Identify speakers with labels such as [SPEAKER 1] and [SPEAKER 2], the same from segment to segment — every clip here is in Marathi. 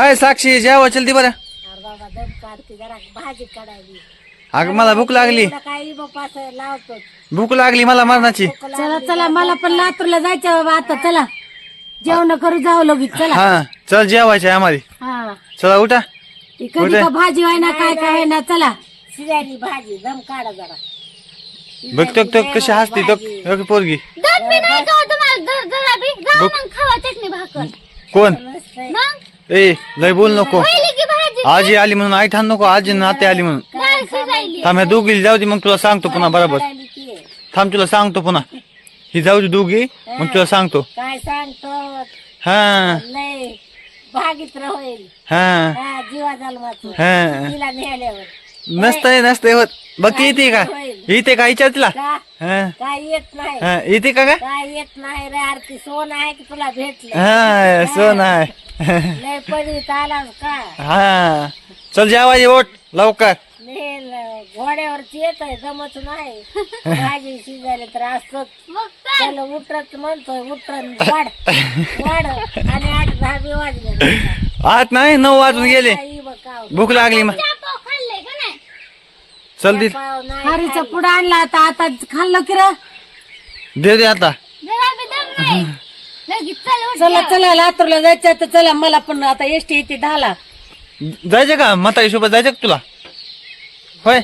[SPEAKER 1] हाय साक्षी जेवा चलती बरं.
[SPEAKER 2] अरे बाबा दम काढते जरा भाजी काढायली.
[SPEAKER 1] अगं मला भूक लागली.
[SPEAKER 2] तुला काही बाप्पा असं लावतो.
[SPEAKER 1] भूक लागली मला मरणाची.
[SPEAKER 3] चला चला मला पण लातूरला जायचं बाबा आता चला जेवण करू जाऊ लगेच चला.
[SPEAKER 1] हा चल जेवायचं आहे आम्हाला.
[SPEAKER 3] हा
[SPEAKER 1] चला उठा.
[SPEAKER 3] ती कधी का भाजी व्हाय ना काय काय व्हाय ना चला.
[SPEAKER 2] शिजायली भाजी दम काढा जरा.
[SPEAKER 1] बघतो तो कशी हसते तो पोरगी.
[SPEAKER 4] दूध बी नाही का तुम्हाला जरा बी जाऊ मग खावा चटणी भाकर
[SPEAKER 1] कोण
[SPEAKER 4] मग
[SPEAKER 1] ए लय बोल नको.
[SPEAKER 4] पहिली की भाजी
[SPEAKER 1] आजी आली म्हणून आई ठाण नको. आजी नाते आली म्हणून
[SPEAKER 4] डाळ शिजायली
[SPEAKER 1] थांब ह्या दोघी जाऊ दे मग तुला सांगतो पुन्हा बरोबर.
[SPEAKER 2] काढायली की.
[SPEAKER 1] थांब तुला सांगतो पुन्हा. ही जाऊ दे दोघी मग तुला सांगतो.
[SPEAKER 2] काय सांगतो
[SPEAKER 1] हा
[SPEAKER 2] लय भागीत होईल.
[SPEAKER 1] हा
[SPEAKER 2] हा जीवा जन्माचं
[SPEAKER 1] हा
[SPEAKER 2] तिला नेल्यावर
[SPEAKER 1] नसतंय होत. बघ येते का येते का विचार तिला.
[SPEAKER 2] का
[SPEAKER 1] हा
[SPEAKER 2] काय येत नाही.
[SPEAKER 1] हा येते का
[SPEAKER 2] काय येत नाही रे आरती सोन आहे की तुला भेटलं.
[SPEAKER 1] हा सोन आहे.
[SPEAKER 2] लय पडीत आलास का
[SPEAKER 1] हा चल जेवायचे ओट लवकर.
[SPEAKER 2] नेल घोड्यावरची येत आहे जमत नाही. भाजी शिजायला तर असतोच.
[SPEAKER 4] मग
[SPEAKER 2] त्याला उतरत म्हणतोय उतरन वाढ वाढ आणि 8-10 बी वाजले.
[SPEAKER 1] आत नाही 9 वाजून गेले.
[SPEAKER 2] काही बघ काव.
[SPEAKER 1] भूक लागली मग
[SPEAKER 4] पाव खाल्ले का नाही
[SPEAKER 1] चल दे
[SPEAKER 2] पाव नाही
[SPEAKER 3] हरीचा पुढं आणला आता आता खाल्लं की र
[SPEAKER 1] दे आता.
[SPEAKER 4] जरा बी दम नाही लगेच चल उठ
[SPEAKER 3] चला चला लातूरला जायचं तर चला मला पण आता एसटी येते 10ला.
[SPEAKER 1] जायचं का म्हातारी सोबत जायचं का तुला होय.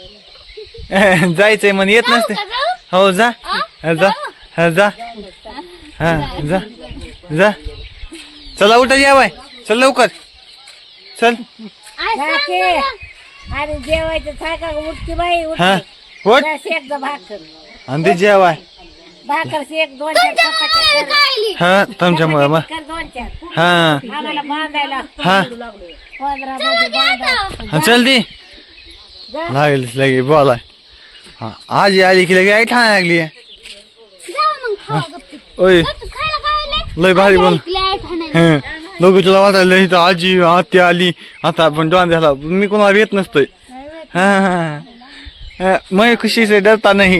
[SPEAKER 1] जायचंय म्हणे येत नसते.
[SPEAKER 4] का जाऊ
[SPEAKER 1] हो जा जा हा, जा हा जा जा चला उठा जेवाय चल लवकर चल.
[SPEAKER 4] आज सांग
[SPEAKER 2] जाके.
[SPEAKER 4] मला.
[SPEAKER 2] आणि जेवायचं थाका उठकी बाई
[SPEAKER 1] हा
[SPEAKER 2] उठकी
[SPEAKER 1] उठ
[SPEAKER 2] शेक जा भाकर
[SPEAKER 1] आणि ते जेवाय.
[SPEAKER 2] भाकर शेक 2-4 चपात्या कर.
[SPEAKER 4] खायली
[SPEAKER 1] हा तुमच्यामुळे मग
[SPEAKER 2] कर 2-4
[SPEAKER 1] हा
[SPEAKER 2] आम्हाला बांधायला
[SPEAKER 1] हा
[SPEAKER 2] 15 मध्ये बांधा.
[SPEAKER 1] हा, चल दे लागेल लगे बोलाय. हा आजी आली की लगे आई ठाण लागली.
[SPEAKER 4] जाऊ मग खावा गप्पी
[SPEAKER 1] ओय
[SPEAKER 4] खायला काय
[SPEAKER 1] लय भारी बोल.
[SPEAKER 4] खाणार
[SPEAKER 1] लोक तुला वाटायला इथं आजी आत्या आली आता आपण डॉन झाला मी कोणाला येत नसतोय. हा हा मैं खुशी से डरता नहीं.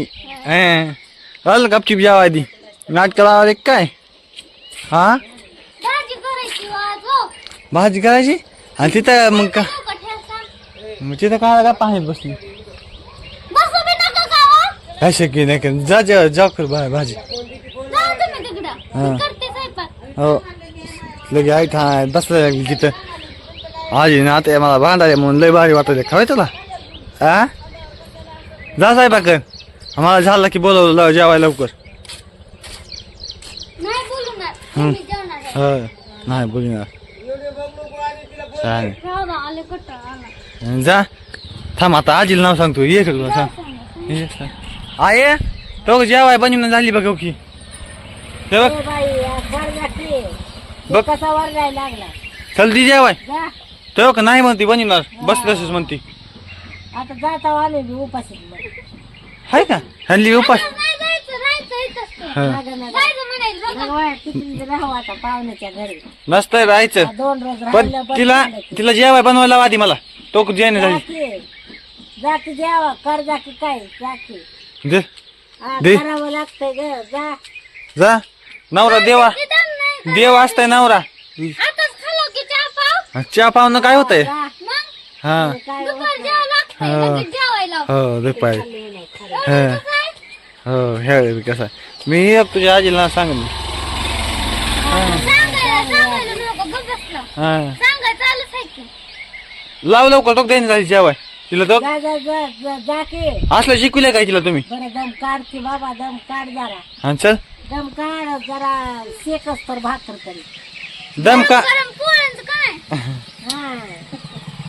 [SPEAKER 1] हल गपचिप जावा आधी नाटक लावा काय. हा
[SPEAKER 4] भाजी करायची वाजो
[SPEAKER 1] भाजी करायची आणि तिथं मग का मग तिथं काय पाहत बसली.
[SPEAKER 4] बसू बी नका गावा
[SPEAKER 1] काय शक्य नाही का जा जा जा कर भाजी.
[SPEAKER 4] जाऊ तुम्ही तिकडं
[SPEAKER 1] हा.
[SPEAKER 4] मी करते स्वयंपाक
[SPEAKER 1] हो लगे आई ठाण बसलं लागली तिथं. आजी ना आता मला भांडारे म्हणून लय भारी वाटत खवाय तुला. हा जा साहेबाकर आम्हाला झालं की बोलवलं जेवायला लवकर.
[SPEAKER 4] नाही बोलणार मी जेवणार आहे
[SPEAKER 1] हो नाही बोलणार चालेल.
[SPEAKER 4] राहू दे, आले कट्टा आला
[SPEAKER 1] जा थांब आता आजीला नाव सांगतो ये का तुला सांग. ये सांग. आये तो जेवाय बनवून झाली बघ की ते बघ
[SPEAKER 2] ए बाई वर जाते.
[SPEAKER 1] बघ
[SPEAKER 2] कसा वर जायला लागला.
[SPEAKER 1] चल ती जेवाय
[SPEAKER 2] जा
[SPEAKER 1] तो का नाही म्हणती बनवणार बस तसंच म्हणती.
[SPEAKER 2] आता जाता आले मी उपाशी.
[SPEAKER 1] हाय का हल्ली उपास.
[SPEAKER 4] नाही जायचं राहायचं इथंच ते.
[SPEAKER 1] हा.
[SPEAKER 4] जायचं म्हणायचं बघा.
[SPEAKER 2] तिकडे राहू आता पाहुण्याच्या घरी.
[SPEAKER 1] नसतंय राहायचं
[SPEAKER 2] 2 रोज
[SPEAKER 1] पण
[SPEAKER 2] राहिलं
[SPEAKER 1] तिला तिला जेवाय बनवायला आधी मला तो जेवण झाली.
[SPEAKER 2] जाती जेवा कर जाती काय जाती
[SPEAKER 1] दे दे.
[SPEAKER 2] करावं लागतंय ग जा.
[SPEAKER 1] जा नवरा देवा
[SPEAKER 4] ते दम नाही
[SPEAKER 1] देव असतंय नवरा.
[SPEAKER 4] आताच खालो की चहा पाव
[SPEAKER 1] चहा पाहुणं काय होतंय.
[SPEAKER 2] जा.
[SPEAKER 4] मग
[SPEAKER 1] हा
[SPEAKER 2] काय
[SPEAKER 4] दुपार जेवायला लागतंय लगेच जेवायला
[SPEAKER 1] हो दे पाय
[SPEAKER 4] एवढं कसं आहे?
[SPEAKER 1] हो हे कसं मी एक तुझ्या आजीला सांगेन.
[SPEAKER 4] सांगायला नको गप्प बसला
[SPEAKER 1] हा
[SPEAKER 4] सांगाय चालूच आहे की
[SPEAKER 1] लाव लवकर तो देईन झाली जेवाय तिला तो
[SPEAKER 2] जा जा जा जा जा की.
[SPEAKER 1] असलं शिकविलंय काय तिला तुम्ही.
[SPEAKER 2] बरं दम काढ की बाबा दम काढ जरा.
[SPEAKER 1] हा चल
[SPEAKER 2] दम काढ जरा शेकच तर भाकर तरी.
[SPEAKER 1] दम का
[SPEAKER 4] गरम पोळ्यांचं काय
[SPEAKER 2] हा